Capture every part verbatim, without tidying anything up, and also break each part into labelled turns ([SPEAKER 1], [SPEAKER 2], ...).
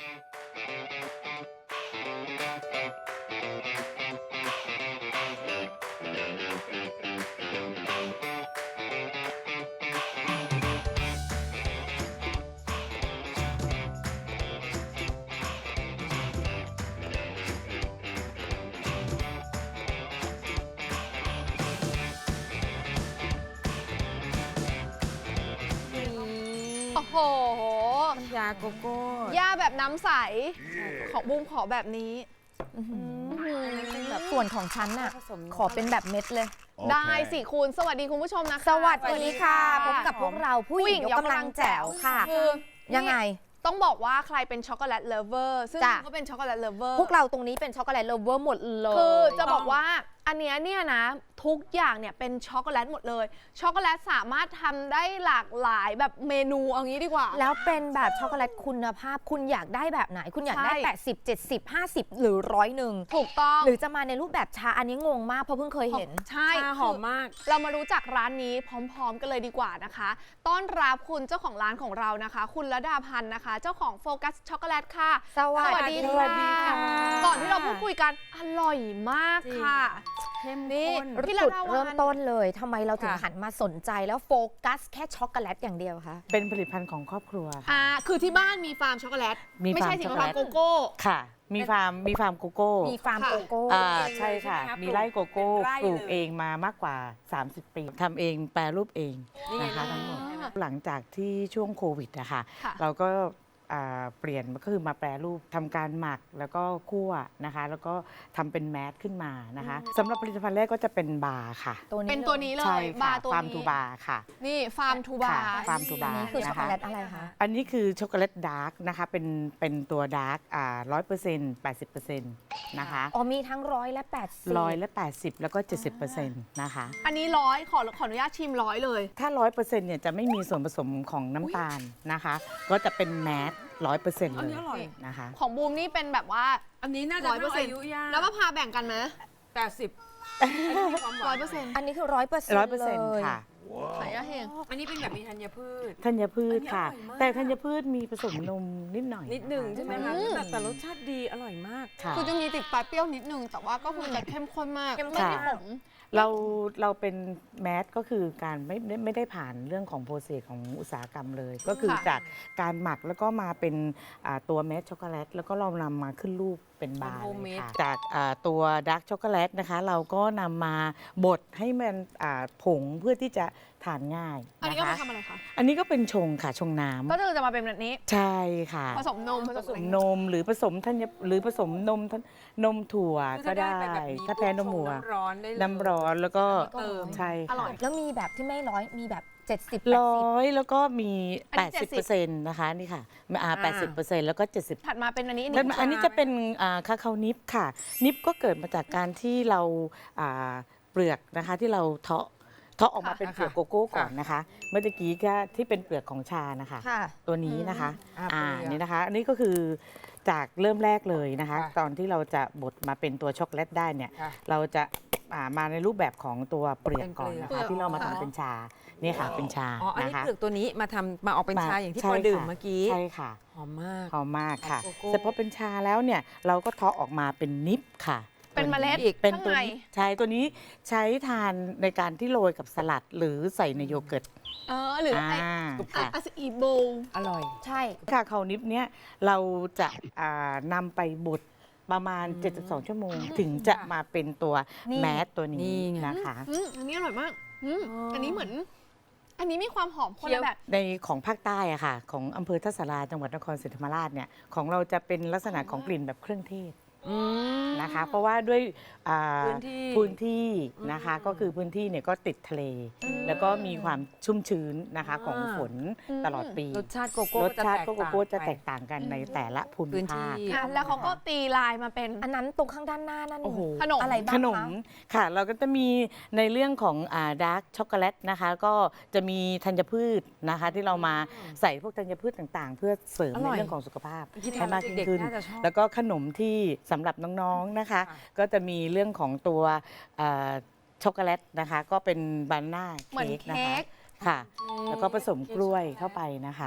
[SPEAKER 1] โอ้โห
[SPEAKER 2] ยาโกโก้
[SPEAKER 1] ย่าแบบน้ำใส ของบูมขอแบบนี้
[SPEAKER 2] เป็นแบบ
[SPEAKER 3] ส่วนของฉันน่ะ
[SPEAKER 2] ผสม
[SPEAKER 3] ขอเป็นแบบเม็ดเลย
[SPEAKER 1] ได้สิคุณ สวัสดีคุณผู้ชมนะคะ
[SPEAKER 3] สวัสดีค่ะพบกับพวกเราผู้
[SPEAKER 1] ผู้
[SPEAKER 3] ห
[SPEAKER 1] ห
[SPEAKER 3] ญิ
[SPEAKER 1] ญิ
[SPEAKER 3] ง
[SPEAKER 1] ง
[SPEAKER 3] ย
[SPEAKER 1] ย
[SPEAKER 3] ก
[SPEAKER 1] ก
[SPEAKER 3] กำ
[SPEAKER 1] กำ
[SPEAKER 3] ลั
[SPEAKER 1] ลั
[SPEAKER 3] ง
[SPEAKER 1] ง
[SPEAKER 3] แจ๋
[SPEAKER 1] แจ๋
[SPEAKER 3] ว
[SPEAKER 1] ว
[SPEAKER 3] ค่ะ
[SPEAKER 1] คือ
[SPEAKER 3] ยังไง
[SPEAKER 1] ต้องบอกว่าใครเป็นช็อกโกแลตเลฟเวอร์ซึ่ง
[SPEAKER 3] จ้ะ
[SPEAKER 1] ก็เป็นช็อกโกแลตเลฟเวอร์
[SPEAKER 3] พวกเราตรงนี้เป็นช็อกโกแลตโลเวอร์หมดเลย
[SPEAKER 1] คือจะบอกว่าอันเนี้ยเนี่ยนะทุกอย่างเนี่ยเป็นช็อกโกแลตหมดเลย ช็อกโกแลตสามารถทำได้หลากหลายแบบเมนูเอางี้ดีกว่า
[SPEAKER 3] แล้วเป็นแบบช็อกโกแลตคุณภาพคุณอยากได้แบบไหน คุณอยากได้
[SPEAKER 1] ใช่
[SPEAKER 3] แปดสิบ เจ็ดสิบ ห้าสิบ หรือร้อยหนึ่ง
[SPEAKER 1] ถูกต้อง
[SPEAKER 3] หรือจะมาในรูปแบบชาอันนี้งงมากเพราะเพิ่งเคยเห็น
[SPEAKER 1] ใช่
[SPEAKER 2] ชาหอมมาก
[SPEAKER 1] เรามารู้จักร้านนี้พร้อมๆ กันเลยดีกว่านะคะ ต้อนรับคุณเจ้าของร้านของเรานะคะ คุณระดาพันธ์นะคะ เจ้าของโฟกัสช็อกโกแลตค่ะ
[SPEAKER 3] สวัสดี
[SPEAKER 1] ส
[SPEAKER 3] ค่ะ
[SPEAKER 1] วัสดีค่ะ ก่อนที่เราพูดคุยกันอร่อยมาก
[SPEAKER 2] จริง
[SPEAKER 1] ค่ะ
[SPEAKER 2] เข้ม
[SPEAKER 1] นี่
[SPEAKER 2] ข้น
[SPEAKER 1] พี่
[SPEAKER 3] จุด
[SPEAKER 1] ระดาวัน
[SPEAKER 3] เริ่มต้นเลยทำไมเราถึง
[SPEAKER 2] ค่ะ
[SPEAKER 3] หันมาสนใจแล้วโฟกัสแค่ช็อกโกแลตอย่างเดียวคะ
[SPEAKER 4] เป็นผลิตภัณฑ์ของครอบครัวค่ะ
[SPEAKER 1] อ่าคือที่บ้านมีฟาร์มช็อกโกแลต
[SPEAKER 4] มี
[SPEAKER 1] ไม่ใช่
[SPEAKER 4] ฟาร์ม
[SPEAKER 1] สิ
[SPEAKER 4] ช็อกโก
[SPEAKER 1] ฟา
[SPEAKER 4] แล
[SPEAKER 1] ร์ม
[SPEAKER 4] ต
[SPEAKER 1] โกโก้
[SPEAKER 4] ค่ะ มีฟาร์มมีฟาร์มโกโก้
[SPEAKER 3] มีฟาร์ม
[SPEAKER 1] ค่ะ
[SPEAKER 3] โกโก้
[SPEAKER 4] อ่า
[SPEAKER 2] เองเลย
[SPEAKER 4] ใช่ค่ะ
[SPEAKER 2] ใช่ไหมคะ
[SPEAKER 4] มีไร่โกโก้
[SPEAKER 2] เป็นไร่
[SPEAKER 4] ปลูก
[SPEAKER 2] เลย
[SPEAKER 4] เองมามากกว่า สามสิบ ปีทำเองแปรรูปเอง
[SPEAKER 2] นี่ไง
[SPEAKER 4] นะคะทั้งหมด
[SPEAKER 1] อ่า
[SPEAKER 4] หลังจากที่ช่วงโควิดอะค่ะ
[SPEAKER 1] ค่ะ
[SPEAKER 4] เราก็อ่าเปลี่ยนก็คือมาแปรรูปทำการหมักแล้วก็คั่วนะคะ แล้วก็ทำเป็นแมสขึ้นมานะคะสำหรับผลิตภัณฑ์แรกก็จะเป็นบาร์ค่ะ
[SPEAKER 3] ตัวนี้
[SPEAKER 1] เป็นตัวนี้เล
[SPEAKER 4] ใช่
[SPEAKER 1] ย
[SPEAKER 4] ค่ะ
[SPEAKER 1] บาร์ตัว
[SPEAKER 4] ฟาร์ม
[SPEAKER 1] นี้
[SPEAKER 4] ทูบาร์ค่ะ
[SPEAKER 1] นี่ฟาร์มทูบา
[SPEAKER 4] ค่ะ
[SPEAKER 1] ร์
[SPEAKER 4] ฟาร์มทูบาร์
[SPEAKER 3] นี่คือช็อก
[SPEAKER 4] นะ
[SPEAKER 3] โก
[SPEAKER 4] คะ
[SPEAKER 3] แลตอะไรคะ
[SPEAKER 4] อันนี้คือช็อกโกแลตดาร์กนะคะเป็นเป็นตัวดาร์กอ่าร้อยเปอร์เซ็นต์แปดสิบเปอร์เซ็นต์นะคะ
[SPEAKER 3] อ๋อมีทั้งร้อยและแปดสิบ
[SPEAKER 4] ร้อยและแปดสิบแล้วก็เจ็ดสิบเปอร์เซ็นต์นะคะ
[SPEAKER 1] อันนี้ร้อยขอขออนุญาตชิมร้อยเลย
[SPEAKER 4] ถ้าร้อยเปอร์เซ็นต์เนี่ยจะไม่มีส่วนผสมของน้ำตาลนะคะ ก็จะเป็นแมสร้อยเปอร์เซ็นต์
[SPEAKER 2] อัน
[SPEAKER 4] เลย
[SPEAKER 2] นี้อร่อย
[SPEAKER 4] นะคะ
[SPEAKER 1] ของบูมนี่เป็นแบบว่า
[SPEAKER 2] อันนี้น่าจะ
[SPEAKER 1] ร้อยเปอร์เซ็นต์
[SPEAKER 2] อายุยาก
[SPEAKER 1] แล้วมะพร้าวแบ่งกันไหม
[SPEAKER 2] แปดสิบความห
[SPEAKER 1] ร้
[SPEAKER 2] วา
[SPEAKER 1] อน ยเปอร์เซ็นต์
[SPEAKER 3] อันนี้คือร้อยเปอร์เซ็นต์
[SPEAKER 4] ร้อยเปอร์เซ็นต์ค่ะ
[SPEAKER 1] ไหนอะเฮง
[SPEAKER 2] อันนี้เป็นแบบมีธัญพืช
[SPEAKER 4] ธัญพืชค่ะ
[SPEAKER 2] อันนี้อร่อยมาก
[SPEAKER 4] แต่ธัญพืชมีผสมนมนิดหน่อย
[SPEAKER 2] นิดหนึ่งใช่ไหมคะ
[SPEAKER 1] อืม
[SPEAKER 2] แต่แต่รสชาติดีอร่อยมาก
[SPEAKER 4] ค่ะ
[SPEAKER 1] คือจะมีติดปลายเปรี้ยวนิดนึง แต่ว่าก็คือจะเข้มข้นมาก
[SPEAKER 3] เข้มข้น
[SPEAKER 1] ไม่ได้ขม
[SPEAKER 4] เราเราเป็นแมสก็คือการไม่ไม่ไม่ได้ผ่านเรื่องของโปรเซสของอุตสาหกรรมเลย ก็คือ
[SPEAKER 1] ค่ะ
[SPEAKER 4] จากการหมักแล้วก็มาเป็นอ่าตัวแมสช็อกโกแลตแล้วก็เรานำมาขึ้นรูปเป็นบาร์
[SPEAKER 2] เป็น
[SPEAKER 4] เลย
[SPEAKER 2] homemade
[SPEAKER 4] ค่ะจากอ่าตัวดาร์กช็อกโกแลตนะคะ เราก็นำมาบดให้มันอ่าผงเพื่อที่จะทานง่าย
[SPEAKER 1] อันนี้
[SPEAKER 4] นะ
[SPEAKER 1] ก็มา
[SPEAKER 4] คะ
[SPEAKER 1] ทำอะไรคะ
[SPEAKER 4] อันนี้ก็เป็นชงค่ะชงน้ำ
[SPEAKER 1] ก็คือจะมาเป็นแบบนี้
[SPEAKER 4] ใช่ค่ะ
[SPEAKER 1] ผสมนมผสม
[SPEAKER 4] นมหรือผสมธัญหรือผสมนมธัญนมถั่วก็ได้
[SPEAKER 2] คือถ้าได้ไปแบบนี้
[SPEAKER 4] ถ้าแพ้นมวัว
[SPEAKER 2] ชงน้ำร้อนได้เลย
[SPEAKER 4] น้ำร้อนแล้วก็
[SPEAKER 2] เติม
[SPEAKER 4] ใช่
[SPEAKER 1] อร่อย
[SPEAKER 3] แล้วมีแบบที่ไม่ร้อยมีแบบเจ็ดสิบ
[SPEAKER 4] ร้อยแล้วก็มี
[SPEAKER 1] อันนี้
[SPEAKER 4] 80เปอร์เซ็นต์นะคะนี่ค่ะอ่า80เปอร์เซ็นต์แล้วก็ 70
[SPEAKER 1] ถัดมาเป็นอันนี้
[SPEAKER 4] แล้วอันนี้จะเป็นอ่าคาคานิปค่ะ นิปก็เกิดมาจากการที่เราอ่าเปลือกนะคะที่เราเทาะเทาะออกมาเป็นเปลือกโกโก้ก่อนนะคะ เมื่อกี้ก็ที่เป็นเปลือกของชานะคะ
[SPEAKER 3] ค่ะ
[SPEAKER 4] ตัวนี้นะคะ
[SPEAKER 2] อ่า
[SPEAKER 4] อ่า
[SPEAKER 2] เปลือก
[SPEAKER 4] นี่นะคะ อันนี้ก็คือจากเริ่มแรกเลยนะคะ
[SPEAKER 2] ค่ะ
[SPEAKER 4] ตอนที่เราจะบดมาเป็นตัวช็อกโกแลตได้เนี่ย
[SPEAKER 2] ค่ะ
[SPEAKER 4] เราจะอ่ามาในรูปแบบของตัวเปลือกก่อนนะ
[SPEAKER 1] เป็นเปลื
[SPEAKER 4] คะ
[SPEAKER 1] อก
[SPEAKER 4] ที่เรามาทำเป็นชาเนี่ยค่ะเป็นชา
[SPEAKER 2] อ๋อ อัน
[SPEAKER 4] นะ
[SPEAKER 2] นี้
[SPEAKER 4] คะ
[SPEAKER 2] เปลือกตัวนี้มาทำมาออกเป็นชาอย่างที่
[SPEAKER 4] ใช่
[SPEAKER 2] พอดื่ม
[SPEAKER 4] ค่ะ
[SPEAKER 2] เมื่อกี้
[SPEAKER 4] ใช่ค่ะ
[SPEAKER 2] หอมมาก
[SPEAKER 4] หอมมากค่ะ
[SPEAKER 2] โกโก้
[SPEAKER 4] แต่พอเป็นชาแล้วเนี่ยเราก็เทาะออกมาเป็นนิปค่ะ
[SPEAKER 1] เป็นเมล็ด
[SPEAKER 4] อีกเป็น
[SPEAKER 1] ข้าง
[SPEAKER 4] ตัว
[SPEAKER 1] ใน
[SPEAKER 4] นี้ใช้ตัวนี้ใช้ทานในการที่โรยกับสลัดหรือใส่ในโยเกิร์ต
[SPEAKER 1] เออหรือไอ
[SPEAKER 4] อ่า
[SPEAKER 1] อะ
[SPEAKER 4] ค่ะ
[SPEAKER 1] อะอีโบ
[SPEAKER 2] อร่อย
[SPEAKER 3] ใช่
[SPEAKER 4] คาคานิปเนี่ยเราจะอ่านำไปบดประมาณ เจ็ดสิบสอง ชั่วโมง ถึงจะมาเป็นตัวแมสตัว
[SPEAKER 2] นี่
[SPEAKER 4] นี้
[SPEAKER 2] ไง
[SPEAKER 4] นะคะ
[SPEAKER 1] อืมอันนี้อร่อยมากอืม
[SPEAKER 2] อ๋ออั
[SPEAKER 1] อันนี้เหมือน อันนี้มีความหอมคน
[SPEAKER 2] เคี้ย
[SPEAKER 1] ละ
[SPEAKER 2] ว
[SPEAKER 1] แบบ
[SPEAKER 4] ในของภาคใต้อะค่ะ ของอำเภอทัศราจังหวัดนครศรีธรรมราชเนี่ยของเราจะเป็นลักษณะของกลิ่นแบบเครื่องเทศ
[SPEAKER 2] อืม
[SPEAKER 4] นะคะ เพราะว่าด้วยอ่า
[SPEAKER 2] พื้นที่
[SPEAKER 4] พื้นที่นะคะ
[SPEAKER 2] อืม
[SPEAKER 4] ก็คือพื้นที่เนี่ยก็ติดทะเล แล้วก็มีความชุ่มชื้นนะคะ
[SPEAKER 2] อ่า
[SPEAKER 4] ของฝน
[SPEAKER 1] อืม
[SPEAKER 4] ตลอดปี
[SPEAKER 2] รสชาติโกโก้
[SPEAKER 4] รสชาติก็โกโก้จะแต
[SPEAKER 2] ไป
[SPEAKER 4] กต่างกันในแต่ละภู
[SPEAKER 2] พื้
[SPEAKER 4] มิ
[SPEAKER 2] นที่
[SPEAKER 4] ภาค
[SPEAKER 1] อ่ะแล้วเขาก็ตีลายมาเป็น
[SPEAKER 3] อันนั้นตรงข้างด้านหน้านั่น
[SPEAKER 4] โอ้โห
[SPEAKER 1] ขนม
[SPEAKER 3] อะไรบ้าง
[SPEAKER 4] ขนม
[SPEAKER 3] คะ
[SPEAKER 4] ค่ะ เราก็จะมีในเรื่องของอ่าดาร์กช็อกโกแลตนะคะ ก็จะมีธัญพืชนะคะ ที่เรามาใส่พวกธัญพืชต่างๆ เพื่อเสริม
[SPEAKER 2] อ
[SPEAKER 4] ใน
[SPEAKER 2] ร่อย
[SPEAKER 4] เรื่องของสุขภาพ
[SPEAKER 2] คิด
[SPEAKER 4] ให้มากยิ่งขึ้น
[SPEAKER 2] เด็กๆน่าจะชอบ
[SPEAKER 4] แล้วก็ขนมที่สำหรับน้องๆนะคะ
[SPEAKER 2] ค่ะ
[SPEAKER 4] ก็จะมีเรื่องของตัวอ่าช็อกโกแลตนะคะ ก็เป็นบานาน่า
[SPEAKER 1] เหมือน
[SPEAKER 4] เค้กนะ
[SPEAKER 1] เค้
[SPEAKER 4] คะ
[SPEAKER 1] ก
[SPEAKER 4] ค่ะ แล้วก็ผสมกล้วยเข้าไปนะคะ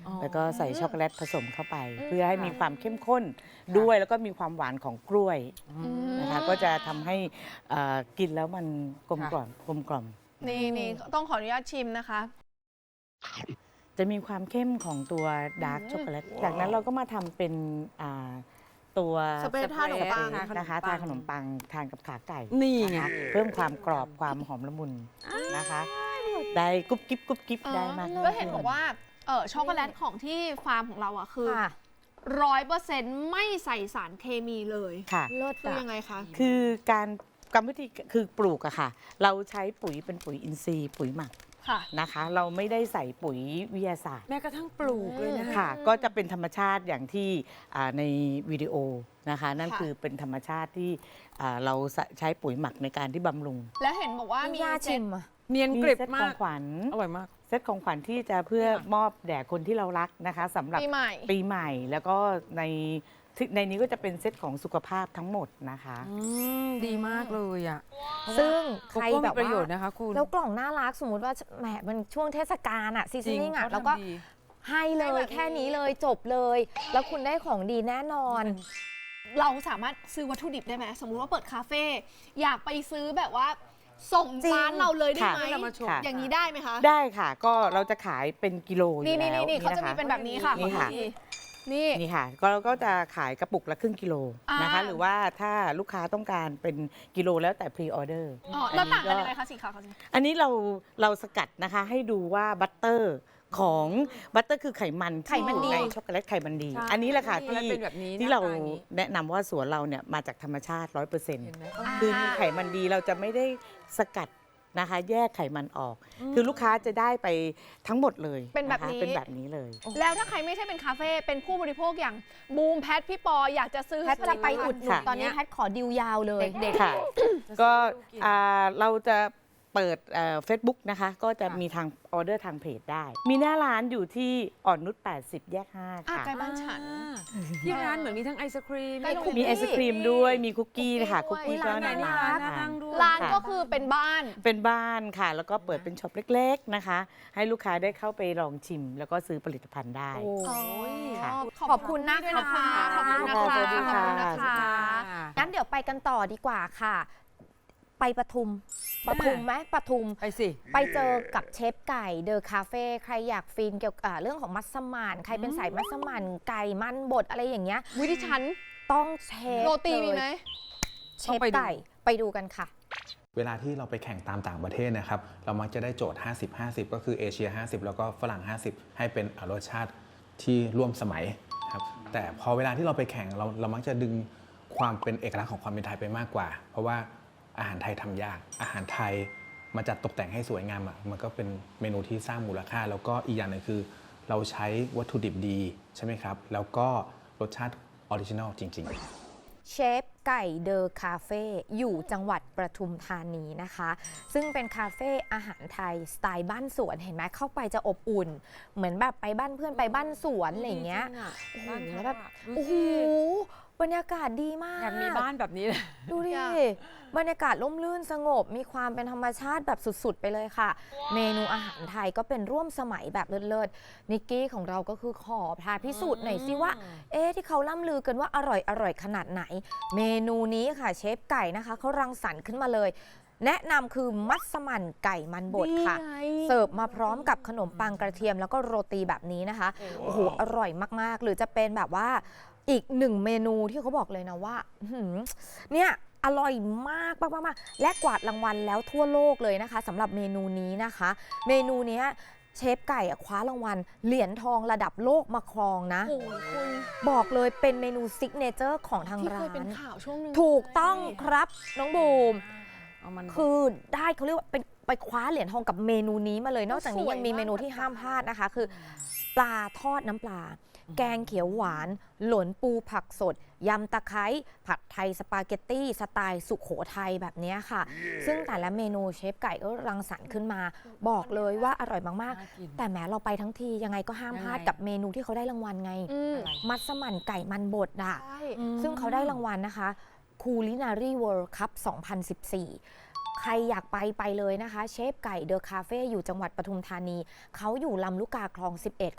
[SPEAKER 2] อ๋อ
[SPEAKER 4] แล้วก็ใส่ช็อกโกแลตผสมเข้าไป เพื่อให้มีความเข้มข้นด้วยแล้วก็มีความหวานของกล้วยนะคะก็จะทำให้เอ่อกินแล้วมันกลมกล่อมกลมกล่อม
[SPEAKER 1] นี่นี่ต้องขออนุญาตชิมนะคะ
[SPEAKER 4] จะมีความเข้มของตัวดาร์กช็อกโกแลตจากนั้นเราก็มาทำเป็นอ่าตัว
[SPEAKER 1] สเปรย์ทาขนมปัง
[SPEAKER 4] สเปรย์นะคะทานขนมปังทานกับขาไก่
[SPEAKER 2] นี่ไง
[SPEAKER 4] นะคะเพิ่มความกรอบความหอมละมุนนะคะ ได้กรุบกิ๊บกรุบกิ๊บได้มาก
[SPEAKER 1] แล้วเห็นบอกว่าเออช็อกโกแลตของที่ฟาร์มของเราอ่ะคือ
[SPEAKER 3] ค่ะ
[SPEAKER 1] ร้อยเปอร์เซ็นต์ไม่ใส่สารเคมีเลย
[SPEAKER 4] ค่ะ
[SPEAKER 3] เลิศ
[SPEAKER 1] คือ
[SPEAKER 3] อะ
[SPEAKER 1] ยังไงคะ
[SPEAKER 4] คือการกรรมวิธีคือปลูกอะค่ะ เราใช้ปุ๋ยเป็นปุ๋ยอินทรีย์ปุ๋ยหมัก
[SPEAKER 1] ค่ะ
[SPEAKER 4] นะคะ เราไม่ได้ใส่ปุ๋ยวิทยาศาสตร์
[SPEAKER 2] แม้กระทั่งปลูกเลยนะ
[SPEAKER 4] ค่ะ ก็จะเป็นธรรมชาติอย่างที่อ่าในวิดีโอนะคะ นั่น
[SPEAKER 1] ค่ะ
[SPEAKER 4] คือเป็นธรรมชาติที่อ่าเราใช้ปุ๋ยหมักในการที่บำรุง
[SPEAKER 1] แล้วเห็นบอกว่ามี
[SPEAKER 3] ย่า
[SPEAKER 1] เซ็
[SPEAKER 3] ชิ
[SPEAKER 1] ต
[SPEAKER 3] มอะ
[SPEAKER 2] เนียน
[SPEAKER 4] มี
[SPEAKER 2] กริบ
[SPEAKER 4] เซตข
[SPEAKER 2] มา
[SPEAKER 4] อง
[SPEAKER 2] ก
[SPEAKER 4] ขวัญ
[SPEAKER 2] อร่อยมาก
[SPEAKER 4] เซตของขวัญที่จะเพื่อมอบแด่คนที่เรารักนะคะสำหรับ
[SPEAKER 1] ปีใหม่
[SPEAKER 4] ปีใหม่แล้วก็ในที่ในนี้ก็จะเป็นเซตของสุขภาพทั้งหมดนะคะ
[SPEAKER 2] อืม ดีมากเลยอ่ะ
[SPEAKER 3] ซึ่ง
[SPEAKER 2] โก
[SPEAKER 3] ใคร
[SPEAKER 2] โก้
[SPEAKER 3] แบ
[SPEAKER 2] มี
[SPEAKER 3] บ
[SPEAKER 2] ประโย
[SPEAKER 3] ว่า
[SPEAKER 2] ชน์นะคะคุณ
[SPEAKER 3] แล้วกล่องน่ารักสมมุติว่าแหมมันช่วงเทศกาลอะซีซันนิ่งอะแล้วก็
[SPEAKER 2] ทำดี
[SPEAKER 3] ให้เล
[SPEAKER 1] ให้
[SPEAKER 3] ย
[SPEAKER 1] แบบนี้
[SPEAKER 3] แค่นี้เลยจบเลย แล้วคุณได้ของดีแน่นอน
[SPEAKER 1] เราสามารถซื้อวัตถุดิบได้ไหมสมมุติว่าเปิดคาเฟ่อยากไปซื้อแบบว่า ส่ง
[SPEAKER 3] จริง
[SPEAKER 1] ร้านเราเลยได้ไหม
[SPEAKER 2] ค่ะเรามาชม
[SPEAKER 1] อย่างนี้ได้ไหมคะ
[SPEAKER 4] ได้ค่ะก็เราจะขายเป็นกิโลอยู่
[SPEAKER 1] นี่นี่
[SPEAKER 4] แล้ว
[SPEAKER 1] นี่เขาจะมี
[SPEAKER 4] ค
[SPEAKER 1] เป็นแบบนี้ค่ะ
[SPEAKER 4] นี่ค่ะ
[SPEAKER 1] ขอดูทีนี่
[SPEAKER 4] นี่ค่ะก็เราก็จะขายกระปุกละครึ่งกิโลนะคะ
[SPEAKER 1] อ่า
[SPEAKER 4] หรือว่าถ้าลูกค้าต้องการเป็นกิโลแล้วแต่พรีออเดอร์
[SPEAKER 1] อ๋อแล้วต่างกันยังไงคะสีขาวกับสี
[SPEAKER 4] อันนี้เราเราสกัดนะคะให้ดูว่าบัตเตอร์ของบัตเตอร์คือไขมัน
[SPEAKER 3] ไขมันดี
[SPEAKER 4] ที่อยู่ในช็อกโกแลตไขมันดี
[SPEAKER 2] ใช่
[SPEAKER 4] อันนี้แหละค่ะ
[SPEAKER 2] ช็อกโกแล
[SPEAKER 4] ที่
[SPEAKER 2] ตเป็นแบบนี้
[SPEAKER 4] ที่
[SPEAKER 2] หน้า
[SPEAKER 4] เรา
[SPEAKER 2] ตาอย่างนี้
[SPEAKER 4] แนะนำว่าสวนเราเนี่ยมาจากธรรมชาติ ร้อยเปอร์เซ็นต์
[SPEAKER 2] เห็นไหม
[SPEAKER 4] คือมีไขมันดีเราจะไม่ได้สกัดนะคะ แยกไขมันออก คือลูกค้าจะได้ไปทั้งหมดเลย
[SPEAKER 1] เป็นแบบ
[SPEAKER 4] ะคะ
[SPEAKER 1] นี้
[SPEAKER 4] เป็นแบบนี้เลย
[SPEAKER 1] แล้วถ้าใครไม่ใช่เป็นคาเฟ่เป็นผู้บริโภคอย่างบูมแพทพี่ปออยากจะซื้อ
[SPEAKER 3] แพทย์จะไปอุดหนุน
[SPEAKER 4] ค่ะ
[SPEAKER 3] ตอนนี้แพทย์ขอดิวยาวเลย
[SPEAKER 2] เด็ก
[SPEAKER 4] ค่ะ ก็อ่าเราจะเปิดเฟซบุ๊กนะคะ ก็จะ
[SPEAKER 2] ค่ะ
[SPEAKER 4] มีทางออเดอร์ทางเพจได้ มีหน้าร้านอยู่ที่อ่อนนุชแปดสิบแยกห้า
[SPEAKER 1] อ่ะ
[SPEAKER 4] ค่ะ
[SPEAKER 1] ใกล้บ้านฉัน
[SPEAKER 2] อ่าที่ร้านเหมือนมีทั้งไอศครีม
[SPEAKER 1] ใกล้โรงเรียน
[SPEAKER 4] มีไอศครีมด้วย มีคุกกี้นะคะ
[SPEAKER 1] คุ
[SPEAKER 4] คุ
[SPEAKER 1] ก
[SPEAKER 4] ก
[SPEAKER 1] กี้
[SPEAKER 4] กี้
[SPEAKER 1] ด้วย
[SPEAKER 4] ก็
[SPEAKER 2] ร้านไหน
[SPEAKER 4] น่า
[SPEAKER 2] น่า
[SPEAKER 4] รั
[SPEAKER 2] รั
[SPEAKER 4] ก
[SPEAKER 2] กน่านั่งด้วย
[SPEAKER 1] ร้าน
[SPEAKER 4] ค่ะ
[SPEAKER 1] ก็คือเป็นบ้าน
[SPEAKER 4] เป็นบ้านค่ะ แล้วก็เปิดเป็นช็อปเล็ก ๆนะคะ ให้ลูกค้าได้เข้าไปลองชิม แล้วก็ซื้อผลิตภัณฑ์ได้
[SPEAKER 3] โอ้
[SPEAKER 2] ย
[SPEAKER 4] ค่ะ
[SPEAKER 3] ขอบคุณนะคะ
[SPEAKER 1] ขอบคุณนะคะขอบคุณนะคะ
[SPEAKER 4] สวัสดีค่ะ
[SPEAKER 1] ขอบคุณนะคะ
[SPEAKER 3] งั้นเดี๋ยวไปกันต่อดีกว่าค่ะ ไปปทุมปทุมไหมปทุม
[SPEAKER 2] ไปสิ
[SPEAKER 3] ไปเจอกับเชฟไก่เดอะคาเฟ่ใครอยากฟินเกี่ยวกับอ่าเรื่องของมัสมั่นใครเป็นสายมัสมั่นไก่มันบดอะไรอย่างเงี้ย
[SPEAKER 1] วิธีฉัน
[SPEAKER 3] ต้องเชฟ
[SPEAKER 1] โรตีมี
[SPEAKER 3] เลย
[SPEAKER 1] ไหม
[SPEAKER 3] เช
[SPEAKER 2] ต้อง
[SPEAKER 3] ฟ
[SPEAKER 2] ไปดู
[SPEAKER 3] ไก่ไปดูกันค่ะ
[SPEAKER 5] เวลาที่เราไปแข่งตามต่างประเทศนะครับ เรามักจะได้โจทย์ ห้าสิบ ห้าสิบ ก็คือเอเชีย ห้าสิบ แล้วก็ฝรั่ง ห้าสิบ ให้เป็นรสชาติที่ร่วมสมัยครับ แต่พอเวลาที่เราไปแข่งเราเรามักจะดึงความเป็นเอกลักษณ์ของความเป็นไทยไปมากกว่า เพราะว่าอาหารไทยทำยาก อาหารไทยมาจัดตกแต่งให้สวยงามอ่ะ มันก็เป็นเมนูที่สร้างมูลค่า แล้วก็อีกอย่างหนึงคือ เราใช้วัตถุดิบดีใช่ไหมครับ แล้วก็รสชาติออริจินัลจริงๆ
[SPEAKER 3] เชฟไก่เดอะคาเฟ่อยู่จังหวัดประทุมธานีนะคะ ซึ่งเป็นคาเฟ่อาหารไทยสไตล์บ้านสวนเห็นไหมเข้าไปจะอบอุ่น เหมือนแบบไปบ้านเพื่อนไปบ้านสวนอะไรอย่างเงี้ย โอ้โหแล้วแบบโอ้โหบรรยากาศดีมาก
[SPEAKER 2] อยากมีบ้านแบบนี้เลย
[SPEAKER 3] ดูดิ
[SPEAKER 1] อยาก
[SPEAKER 3] บรรยากาศร่มรื่นสงบ มีความเป็นธรรมชาติแบบสุดๆ ไปเลยค่ะ เมนูอาหารไทยก็เป็นร่วมสมัยแบบเลิศๆนิกกี้ของเราก็คือขอพาพิสูจน์หน่อยสิว่า เอ๊ะที่เขาล่ำลือกันว่าอร่อยอร่อยขนาดไหน เมนูนี้ค่ะเชฟไก่นะคะเขารังสรรค์ขึ้นมาเลย แนะนำคือมัสมั่นไก่มันบดค่ะ
[SPEAKER 1] นี่ไง
[SPEAKER 3] เสิร์ฟมาพร้อมกับขนมปังกระเทียมแล้วก็โรตีแบบนี้นะคะ โอ้โห อร่อยมาก ๆ หรือจะเป็นแบบว่าอีกหนึ่งเมนูที่เขาบอกเลยนะว่าอื้อหือเนี่ยอร่อยมากมากมากๆและกวาดรางวัลแล้วทั่วโลกเลยนะคะสำหรับเมนูนี้นะคะ เมนูเนี้ยเชฟไก่อะคว้ารางวัลเหรียญทองระดับโลกมาครองนะ
[SPEAKER 1] โอ้โหคุณ
[SPEAKER 3] บอกเลยเป็นเมนูซิกเนเจอร์ของทาง
[SPEAKER 1] ที่
[SPEAKER 3] ร้า
[SPEAKER 1] เคยเป็น
[SPEAKER 3] น
[SPEAKER 1] ข่าวช่วงหนึง
[SPEAKER 3] ถูกต้องครับน้องบูม
[SPEAKER 2] เอามัน
[SPEAKER 3] คือได้เขาเรียกว่าเป็นไปคว้าเหรียญทองกับเมนูนี้มาเลย นอกจากนี้
[SPEAKER 1] สวย
[SPEAKER 3] ยังมี
[SPEAKER 1] มาก
[SPEAKER 3] เมนูที่ห้ามพลาดนะคะ คือปลาทอดน้ำปลา แกงเขียวหวาน หลนปูผักสด ยำตะไคร้ผัดไทยสปาเกตตี้สไตล์สุขโขทัยแบบนี้ค่ะ ซึ่งแต่ละเมนูเชฟไก่ก็รังสรรค์ขึ้นมา บอกเลยว่าอร่อยมาก
[SPEAKER 2] น่ากิน
[SPEAKER 3] ๆ แต่แม้เราไปทั้งทียังไงก็ห้ามพลาด
[SPEAKER 2] ยังไง
[SPEAKER 3] กับเมนูที่เขาได้รางวัลไง
[SPEAKER 1] อืม
[SPEAKER 3] มัสมั่นไก่มันบดอ่ะ
[SPEAKER 1] ใช่
[SPEAKER 3] ซึ่งเขาได้รางวัลนะคะ Culinary World Cup สองพันสิบสี่ ใครอยากไปไปเลยนะคะ เชฟไก่เดอะคาเฟ่อยู่จังหวัดปทุมธานี เขาอยู่ลำลูกกาคลอง สิบเอ็ด ค่ะ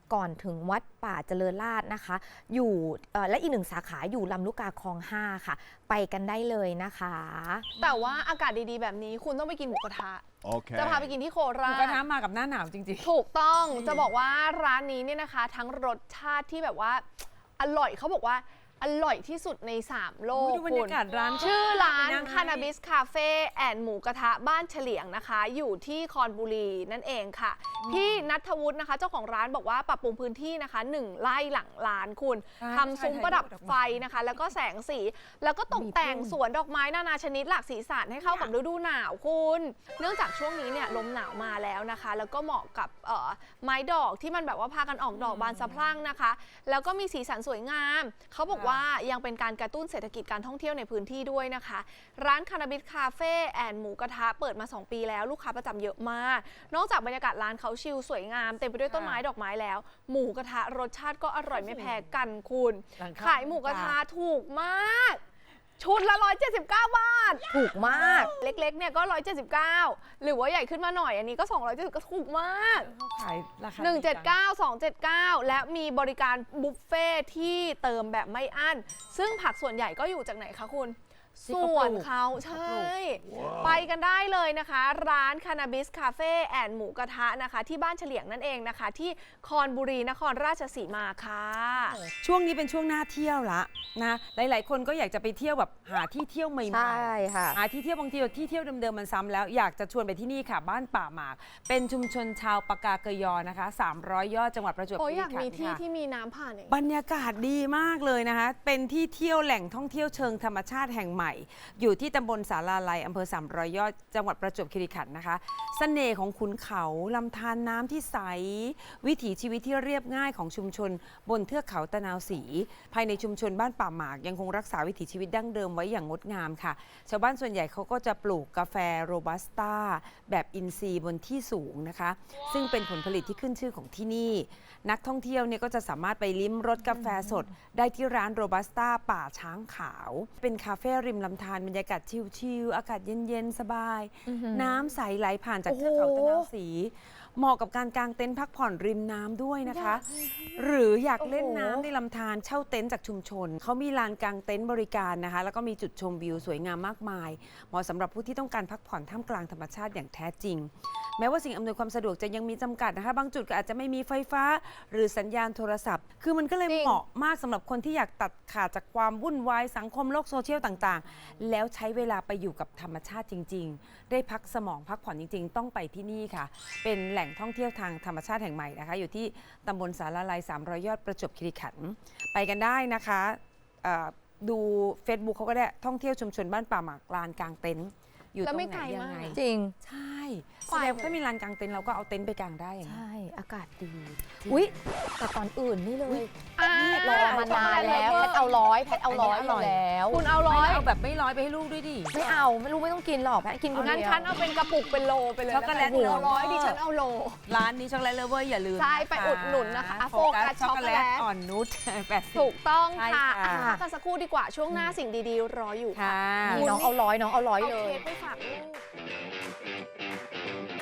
[SPEAKER 3] ก่อนถึงวัดป่าเจริญราษฎร์นะคะ อยู่เอ่อและอีกหนึ่งสาขาอยู่ลำลูกกาคลองห้าค่ะ ไปกันได้เลยนะคะ
[SPEAKER 1] แต่ว่าอากาศดีๆแบบนี้คุณต้องไปกินหมูกระทะ
[SPEAKER 6] Okay.
[SPEAKER 1] จะพาไปกินที่โค
[SPEAKER 2] ห
[SPEAKER 1] รา
[SPEAKER 2] มูกระทะ
[SPEAKER 1] ช
[SPEAKER 2] มากับหน้าหนาวจริง
[SPEAKER 1] ถูกต้องจะบอกว่าร้านนี้เนี่ยนะคะ ทั้งรสชาติที่แบบว่าอร่อยเขาบอกว่าอร่อยที่สุดในสามโล
[SPEAKER 2] ๆ
[SPEAKER 1] ก
[SPEAKER 2] ดูบรรยากาศร้าน
[SPEAKER 1] ชื่อร้าน
[SPEAKER 2] ไปงให้
[SPEAKER 1] คานาบิสคาเฟ่แอนหมูกระทะบ้านเฉลียงนะคะ อยู่ที่คอนบุรีนั่นเองค่ะ พี่นัทวุฒินะคะ เจ้าของร้านบอกว่าปรับปรุงพื้นที่นะคะหนึ่งไร่หลังร้านคุณ
[SPEAKER 2] ใช่
[SPEAKER 1] ทำซุ้มประดับไฟนะคะ แล้วก็แสงสี แล้วก็ตกแต่งสวนดอกไม้นานาชนิดหลากสีสันให้เข้ากับฤดูหนาวคุณ เนื่องจากช่วงนี้เนี่ยลมหนาวมาแล้วนะคะ แล้วก็เหมาะกับเอ่อไม้ดอกที่มันแบบว่าพากันออกดอกบานสะพรั่งนะคะ แล้วก็มีสีสันสวยงาม เขาบอกว่ายังเป็นการกระตุ้นเศรษฐกิจการท่องเที่ยวในพื้นที่ด้วยนะคะ ร้านคานาบิสคาเฟ่แอนหมูกระทะเปิดมา สอง ปีแล้วลูกค้าประจำเยอะมาก นอกจากบรรยากาศร้านเขาชิลสวยงามเต็มไปด้วยต้นไม้ดอกไม้แล้ว หมูกระทะรสชาติก็อร่อยไม่แพ้กันคุณ
[SPEAKER 2] หลังคา
[SPEAKER 1] ขายหมูกระทะถูกมาก ชุดละ หนึ่งร้อยเจ็ดสิบเก้า บาท
[SPEAKER 3] ถูกมาก
[SPEAKER 1] เล็กๆเนี่ยก็ หนึ่งร้อยเจ็ดสิบเก้า หรือว่าใหญ่ขึ้นมาหน่อยอันนี้ก็ สองร้อยเจ็ดสิบเก้า ถูกมาก
[SPEAKER 2] เขาขายราคา
[SPEAKER 1] หนึ่งเจ็ด
[SPEAKER 2] จั
[SPEAKER 1] เก้า สองเจ็ดเก้า และมีบริการบุฟเฟ่ที่เติมแบบไม่อั้น ซึ่งผักส่วนใหญ่ก็อยู่จากไหนคะคุณ
[SPEAKER 2] ที่เขา
[SPEAKER 1] ส่วน
[SPEAKER 2] ปลูก
[SPEAKER 1] เขาใช่ ไปกันได้เลยนะคะ ร้านคานาบิสคาเฟ่แอนหมูกระทะนะคะ ที่บ้านเฉลียงนั่นเองนะคะ ที่คอนบุรีนครราชสีมาค่ะ
[SPEAKER 2] ช่วงนี้เป็นช่วงหน้าเที่ยวละนะหลาย ๆ คนก็อยากจะไปเที่ยวแบบหาที่เที่ยวใหม่
[SPEAKER 3] ใช่ค่ะ
[SPEAKER 2] หาที่เที่ยวบางทีที่เที่ยวเดิม ๆ มันซ้ำแล้วอยากจะชวนไปที่นี่ค่ะ บ้านป่าหมาก เป็นชุมชนชาวปากาเกยอนะคะสามร้อยยอดจังหวัดประจวบ
[SPEAKER 1] โอ้ย
[SPEAKER 2] คี
[SPEAKER 1] อ
[SPEAKER 2] รี
[SPEAKER 1] ยาก
[SPEAKER 2] ขัน
[SPEAKER 1] มี
[SPEAKER 2] ธ์
[SPEAKER 1] ที่
[SPEAKER 2] ค่ะ
[SPEAKER 1] ที่มีน้ำผ่านอย่าง
[SPEAKER 2] บรรยากาศดีมากเลยนะคะ เป็นที่เที่ยวแหล่งท่องเที่ยวเชิงธรรมชาติแห่งใหม่ อยู่ที่ตำบลสาราลัยอำเภอสามร้อยยอดจังหวัดประจวบคีรีขันธ์นะคะเสน่ห์ของขุนเขาลำธารน้ำที่ใส วิถีชีวิตที่เรียบง่ายของชุมชน บนเทือกเขาตะนาวศรีภายในชุมชนบ้านป่าหมากยังคงรักษาวิถีชีวิตดั้งเดิมไว้อย่างงดงามค่ะ ชาวบ้านส่วนใหญ่เขาก็จะปลูกกาแฟโรบัสต้าแบบอินทรีย์บนที่สูงนะคะ ซึ่งเป็นผลผลิตที่ขึ้นชื่อของที่นี่ นักท่องเที่ยวเนี่ยก็จะสามารถไปลิ้มรสกาแฟสด ได้ที่ร้านโรบัสต้าป่าช้างขาว เป็นคาเฟ่ริมลำธารบรรยากาศชิลๆอากาศเย็นๆ สบาย น้ำใสไหลผ่านจากเทือกเขาตะนาวศรีเหมาะกับการกางเต็นท์พักผ่อนริมน้ำด้วยนะคะ หรืออยากเล่นน้ำในลำธารเช่าเต็นท์จากชุมชน เขามีลานกางเต็นท์บริการนะคะ แล้วก็มีจุดชมวิวสวยงามมากมาย เหมาะสำหรับผู้ที่ต้องการพักผ่อนท่ามกลางธรรมชาติอย่างแท้จริง แม้ว่าสิ่งอำนวยความสะดวกจะยังมีจำกัดนะคะ บางจุดก็อาจจะไม่มีไฟฟ้า หรือสัญญาณโทรศัพท์ คือมันก็เลย
[SPEAKER 1] จริง
[SPEAKER 2] เหมาะมากสำหรับคนที่อยากตัดขาดจากความวุ่นวายสังคมโลกโซเชียลต่างๆ แล้วใช้เวลาไปอยู่กับธรรมชาติจริง ๆ ได้พักสมองพักผ่อนจริง ๆ ต้องไปที่นี่ค่ะ เป็นแหล่งท่องเที่ยวทางธรรมชาติแห่งใหม่นะคะ อยู่ที่ตำบลสาราลัยสามร้อยยอดประจวบคีรีขันธ์ไปกันได้นะคะเอ่อดู Facebook เขาก็ได้ท่องเที่ยวชุมชนบ้านป่าหมากลานกลางเต็นท์อยู่ต
[SPEAKER 1] แล้
[SPEAKER 2] ร
[SPEAKER 1] ว
[SPEAKER 2] ง
[SPEAKER 1] ไม่
[SPEAKER 2] ไหน
[SPEAKER 1] ไกล
[SPEAKER 2] ยัง
[SPEAKER 1] มาก
[SPEAKER 2] ไง
[SPEAKER 3] จริง
[SPEAKER 2] ใช่
[SPEAKER 1] ไป
[SPEAKER 2] แสดงว่าถ้ามีลานกลางเต็นท์เราก็เอาเต็นท์ไปกางได้อย่างนี้
[SPEAKER 3] ใช่ อากาศดี อุ๊ย แต่ก่อนอื่นนี่เลย
[SPEAKER 1] อ่าร
[SPEAKER 3] อมานานแล้ว แพทเอาร้อย แพทเอาร้อยอยู่แล้ว
[SPEAKER 1] คุณเอาร้
[SPEAKER 2] ไม่
[SPEAKER 1] อย
[SPEAKER 2] เอาแบบไม่ร้อยไปให้ลูกด้วยดิ
[SPEAKER 3] ไม่เอา ไม่รู้ไม่ต้องกินหรอก แพทกินคนเดียว
[SPEAKER 1] งั้นฉันเอาเป็นกระปุกเป็นโลไปเลย
[SPEAKER 2] ช็อกโกแลต
[SPEAKER 1] คุณเอาร้อยดิฉันเอาโล
[SPEAKER 2] ร้านนี้ช็อกโกแลตเลฟเวอร์อย่าลืม
[SPEAKER 1] ใช่ไปอุดหนุนนะคะ
[SPEAKER 2] โฟกัส
[SPEAKER 1] โฟกัส
[SPEAKER 2] ช็อกโกแลต
[SPEAKER 1] ช็อกโกแลต
[SPEAKER 2] อ่อนนุชแปดสิบ
[SPEAKER 1] ถูกต้อง
[SPEAKER 2] ใช่
[SPEAKER 1] ค่ะ
[SPEAKER 2] ค่ะ
[SPEAKER 1] อ่ะพักกันสักครู่ดีกว่าช่วงหน้าสิ่งดีๆ รออยู่ค่ะ
[SPEAKER 2] ค่ะ
[SPEAKER 3] นี่น้องเอาร้อยน้องเอาร้อย
[SPEAKER 1] เอา
[SPEAKER 3] เล
[SPEAKER 1] เค้
[SPEAKER 3] ย
[SPEAKER 1] กไปฝากลูก